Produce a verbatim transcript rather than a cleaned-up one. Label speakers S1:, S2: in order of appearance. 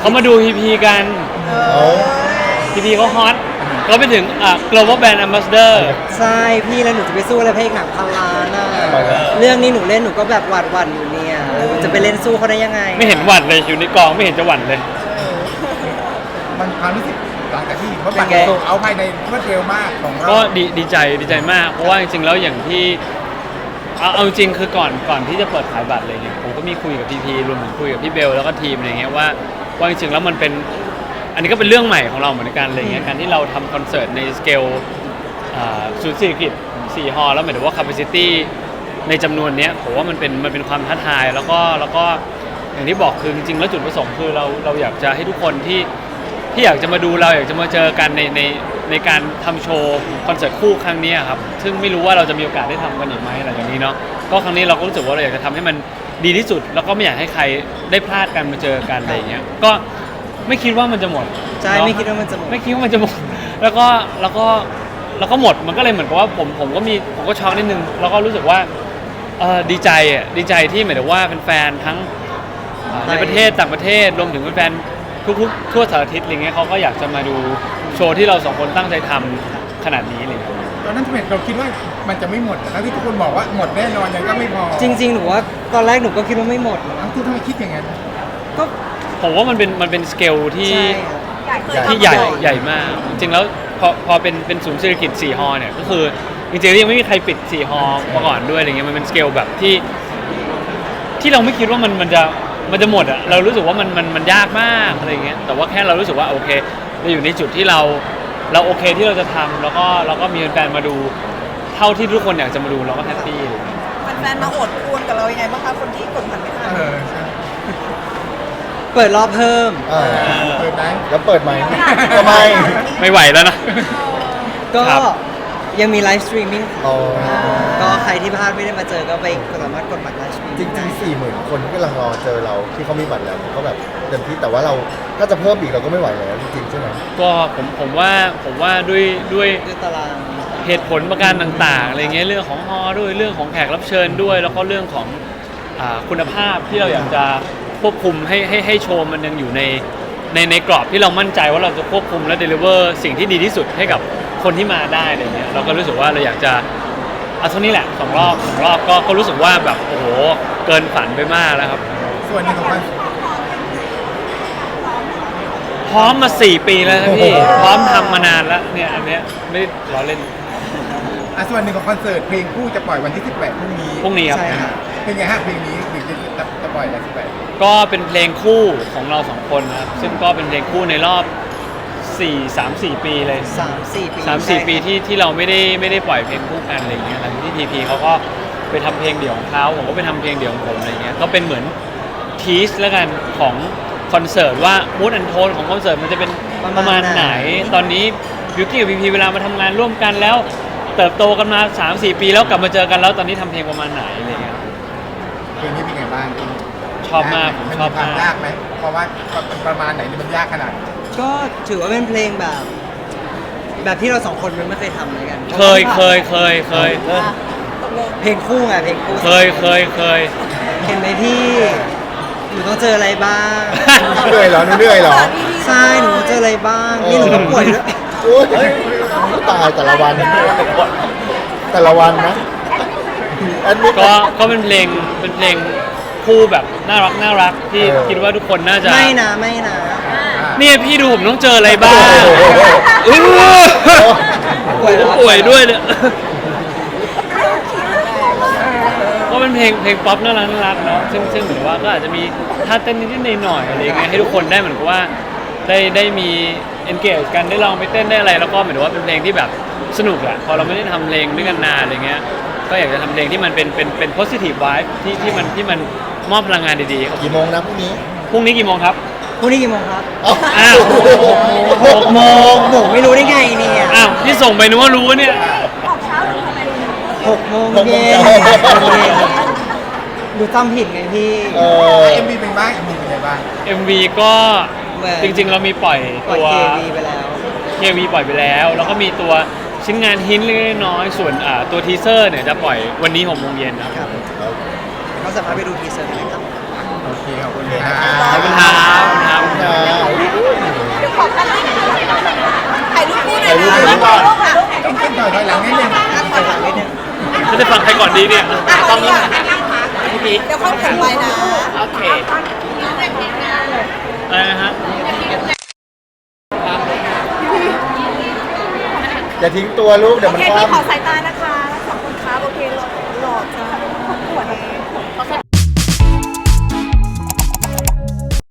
S1: เขามาดูพีพีกันพีพีเขาฮอตเขาไปถึงอ่ะ global brand ambassador
S2: ใช่พี่แล้วหนูจะไปสู้อะไรเพลงหนังพันล้านอ่ะเรื่องนี้หนูเล่นหนูก็แบบหวั่นหวั่นอยู่เนี่ยหนูจะไปเล่นสู้เขาได้ยังไง
S1: ไม่เห็นหวั่นเลยอยู่ในกองไม่เห็นจะหวั่นเลย
S3: มันความรู้สึกหลังจากที่เขาบัตรโซเอาภายในรวดเร็วมากของเรา
S1: ก็ดีดีใจดีใจมากเพราะว่าจริงๆแล้วอย่างที่เอาเอาจริงคือก่อนก่อนที่จะเปิดขายบัตรอะไรเงี้ยผมก็มีคุยกับพีพีรวมถึงคุยกับพี่เบลแล้วก็ทีมอะไรเงี้ยว่าว่าจริงๆแล้วมันเป็นอันนี้ก็เป็นเรื่องใหม่ของเราเหมือนกันอะไรเงี้ยการที่เราทำคอนเสิร์ตในสเกลศูนย์เศรษฐกิจสี่ฮอลแล้วหมายถึงว่า capacity ในจำนวนนี้ผมว่ามันเป็นมันเป็นความท้าทายแล้วก็แล้วก็อย่างที่บอกคือจริงๆแล้วจุดประสงค์คือเราเราอยากจะให้ทุกคนที่ที่อยากจะมาดูเราอยากจะมาเจอกันในในในการทำโชว์คอนเสิร์ตคู่ครั้งนี้ครับซึ่งไม่รู้ว่าเราจะมีโอกาสได้ทำกันอีกไหมอะไรอย่างนี้เนาะก็ครั้งนี้เราก็รู้สึกว่าเราอยากจะทำให้มันดีที่สุดแล้วก็ไม่อยากให้ใครได้พลาดกันมาเจอกันอะไรอย่างเงี้ยก็ไม่คิดว่ามันจะหมด
S2: ใช่ไม่คิดว่ามันจะหมด
S1: ไม่คิดว่ามันจะหมดแล้วก็แล้วก็แล้วก็หมดมันก็เลยเหมือนกับว่าผมผมก็มีผมก็ช็อกนิดนึงแล้วก็รู้สึกว่าเออดีใจอ่ะดีใจที่หมายถึงว่าแฟนๆทั้งในประเทศต่างประเทศรวมถึงแฟนทุกๆทั่วสารทิศอะไรเงี้ยเขาก็อยากจะมาดูโชว์ที่เราสองคนตั้งใจทำขนาดนี้เลย
S3: ตอนนั้นทำไมเราคิดว่ามันจะไม่หมดแล้วที่ทุกคนบอกว่าหมดแน่นอนยังก็ไม่พอ
S2: จริงๆหนูว่าตอนแรกหนูก็คิดว่าไม่หมด
S3: นะทุกท่านคิดอย่างนั้น
S2: ก็
S1: ผมว่ามันเป็นมันเป็นสเกลที่ที่ใหญ่ใหญ่มากจริงๆแล้วพอพอเป็นเป็นศูนย์เศรษฐกิจสี่ฮอเนี่ยก็คือจริงๆยังไม่มีใครปิดสี่ฮอมาก่อนด้วยอะไรเงี้ยมันเป็นสเกลแบบที่ที่เราไม่คิดว่ามันมันจะมันจะหมดอะเรารู้สึกว่ามันมันมันยากมากอะไรเงี้ยแต่ว่าแค่เรารู้สึกว่าโอเคเราอยู่ในจุดที่เราเราโอเคที่เราจะทำแล้วก็เราก็มีแฟนมาดูเท่าที่ทุกคนอยากจะมาดูเราก็แฮปปี้เลย
S4: แฟนมาอดคูณกับเรายังไงบ้างคะคนที่กดผ่านไม่ทัน
S2: เปิดรอบเพิ่ม
S3: เปิดไหม
S5: แล้วเปิดไหมทำไม
S1: ไม่ไหวแล้วนะ
S2: ก็ยังมีไลฟ์สตรีมมิ่งก็ใครที่พลาดไม่ได้มาเจอก็ไปสามารถกดบัตรไลฟ์สตรีม
S5: จริงๆสี่หมื่นคนที่กำลังรอเจอเราที่เขามีบัตรแล้วก็แบบเต็มที่แต่ว่าเราถ้าจะเพิ่มอีกเราก็ไม่ไหวแล้วจริงๆใช่ไหม
S1: ก็ผมผมว่าผมว่าด้วยด้วย
S2: ด้วยตาราง
S1: เหตุผลประการต่างๆอะไรเงี้ยเรื่องของฮอด้วยเรื่องของแขกรับเชิญด้วยแล้วก็เรื่องของคุณภาพที่เราอยากจะควบคุมให้ให้ให้โชว์มันยังอยู่ในในในกรอบที่เรามั่นใจว่าเราจะควบคุมและเดลิเวอร์สิ่งที่ดีที่สุดให้กับคนที่มาได้อะไรเงี้ยเราก็รู้สึกว่าเราอยากจะเอาเท่านี้แหละสองรอบสองรอบก็ก็รู้สึกว่าแบบโอ้โหเกินฝันไปมากแล้วครับ
S3: ส่วนหนึ่งของมัน
S1: พร้อมมาสี่ปีแล้วนะพี่พร้อมทำมานานแล้วเนี่ยอันเนี้ยไม่ล้อเล่น
S3: อ่ะส่วนหนึ่งของคอนเสิร์ตเพลงคู่จะปล่อยวันที่สิบแปดพรุ่งนี้
S1: พรุ่งนี้ครับ
S3: เป็นไงฮะเพลงนี้ถึงจะจะปล่อยวันที่สิบแปด
S1: ก็เป็นเพลงคู่ของเราสองคนนะครับซึ่งก็เป็นเพลงคู่ในรอบสี่ สาม สี่ปีเลย
S2: สาม สี่ปี
S1: สาม สี่ปีที่ที่เราไม่ได้ไม่ได้ปล่อยเพลงคู่กันอะไรอย่างเงี้ยหลังที่ทีพีเขาก็ไปทำเพลงเดี่ยวของเขาผมก็ไปทำเพลงเดี่ยวของผมอะไรเงี้ยก็เป็นเหมือนทีสแล้วกันของคอนเสิร์ตว่ามูดแอนโทนของคอนเสิร์ตมันจะเป็นประมาณไหนตอนนี้บิวกี้กับพีพีเวลามาทำงานร่วมกันแล้วเติบโตกันมา สาม สี่ปีแล้วกลับมาเจอกันแล้วตอนนี้ทำเพลงประมาณไหนอะไรเงี้ย
S3: เพลงนี้เป็นไงบ้าง
S1: ชอบมากผมชอบมาก
S3: ยากไหมเพราะว่าประมาณไหนมันยากขนาด
S2: ก็ถือว่าเป็นเพลงแบบแบบที่เราสองคนมันไม่เคยทำเลยกัน
S1: เคยเคยเคยเคย
S2: เพลงคู่ไงเพลงคู่
S1: เคยเคยเคย
S2: เห็นไหมพี่หนูต้องเจออะไรบ้าง
S5: เหนื่อยเหรอเหนื่อยเหรอ
S2: ใช่หนูเจออะไรบ้างนี่หนูต้องป่วยด้วย
S5: ตายแต่ละวันแต่ละวันนะ
S1: ก็ก็เป็นเพลงเป็นเพลงคู่แบบน่ารักน่ารักที่คิดว่าทุกคนน่าจะ
S2: ไม่นะไม่นะ
S1: เนี่ยพี่ดูผมต้องเจออะไรบ้างป่วยป่วยด้วยเนี่ยก็เป็นเพลงเพลงป๊อปน่ารักน่ารักเนาะซึ่งซึ่งเหมือนว่าก็อาจจะมีท่าเต้นนิดๆหน่อยๆอะไรเงี้ยให้ทุกคนได้เหมือนกับว่าได้ได้มี engage กันได้ลองไปเต้นได้อะไรแล้วก็เหมือนว่าเป็นเพลงที่แบบสนุกอะพอเราไม่ได้ทำเพลงด้วยกันนานอะไรเงี้ยก็อยากจะทำเพลงที่มันเป็นเป็นเป็น positive vibe ที่ที่มันที่มันมอบพลังงานดีๆครับ
S5: กี่โมงนะพรุ่งนี้
S1: พรุ่งนี้กี่โมงครับ
S2: พรุ่งนี้กี่โมงครับ
S1: อ้าว
S2: หกโมงหนูไม่รู้ได้ไงเนี่ย
S1: อ้าวที่ส่งไปนึกว่ารู้เนี่ย
S2: หกโมงเย็นดูจำผิดไงพี่
S3: เอ็มวีเป็นบ้างเอ็มวีเป็นไงบ้าง
S1: เอ็มวีก็จริงๆเรามีปล่อยตัว
S2: เค วี ไปแล้ว
S1: เค วี ปล่อยไปแล้วแล้วก็มีตัวชิ้นงานหินเล็กน้อยส่วนตัวทีเซอร์เนี่ยจะปล่อยวันนี้หกโมงเย็นครับ
S2: ก็สามารถไปดูทีเซอร์ได้ครับ
S3: โอเคขอบคุณ
S1: ครับขอบคุณครับ
S3: ก่อนต้องขึ้นถอยถอยหลังนิดนึง
S2: ถอยหลังนิดนึง
S1: จะได้ฟังใครก่อนดีเนี่ย
S4: ตอนนี้เดี๋ยวค่อยแข่งไปนะ
S1: โอเคอะไรนะฮะ
S5: อย่าทิ้งตัวลูกเดี๋ยว
S4: โอ
S5: มัน
S4: เค
S5: ค
S4: พี่ขอ
S5: ว่ำ
S4: สายตานะคะสองคนครับโอเคหล่อหล่อจ้าขอบคุณ